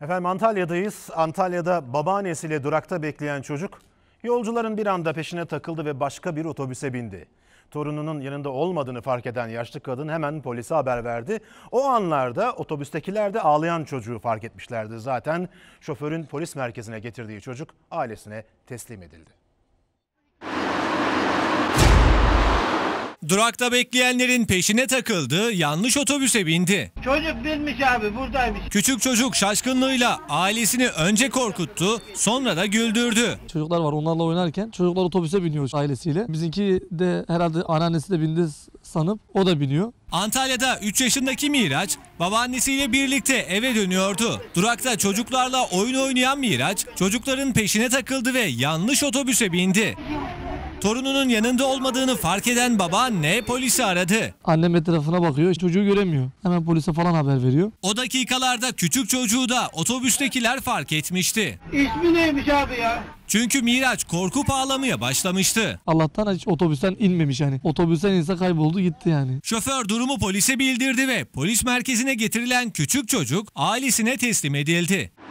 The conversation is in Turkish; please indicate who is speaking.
Speaker 1: Efendim Antalya'dayız. Antalya'da babaannesiyle durakta bekleyen çocuk yolcuların bir anda peşine takıldı ve başka bir otobüse bindi. Torununun yanında olmadığını fark eden yaşlı kadın hemen polise haber verdi. O anlarda otobüstekiler de ağlayan çocuğu fark etmişlerdi. Zaten şoförün polis merkezine getirdiği çocuk ailesine teslim edildi.
Speaker 2: Durakta bekleyenlerin peşine takıldı, yanlış otobüse bindi.
Speaker 3: Çocuk binmiş abi, buradaymış.
Speaker 2: Küçük çocuk şaşkınlığıyla ailesini önce korkuttu, sonra da güldürdü.
Speaker 4: Çocuklar var, onlarla oynarken çocuklar otobüse biniyor ailesiyle. Bizimki de herhalde anneannesi de bindi sanıp o da biniyor.
Speaker 2: Antalya'da 3 yaşındaki Miraç babaannesiyle birlikte eve dönüyordu. Durakta çocuklarla oyun oynayan Miraç çocukların peşine takıldı ve yanlış otobüse bindi. Torununun yanında olmadığını fark eden babaanne polisi aradı.
Speaker 4: Annem etrafına bakıyor, çocuğu göremiyor. Hemen polise falan haber veriyor.
Speaker 2: O dakikalarda küçük çocuğu da otobüstekiler fark etmişti.
Speaker 3: İsmi neymiş abi ya?
Speaker 2: Çünkü Miraç korkup ağlamaya başlamıştı.
Speaker 4: Allah'tan hiç otobüsten inmemiş yani. Otobüsten inse kayboldu gitti yani.
Speaker 2: Şoför durumu polise bildirdi ve polis merkezine getirilen küçük çocuk ailesine teslim edildi.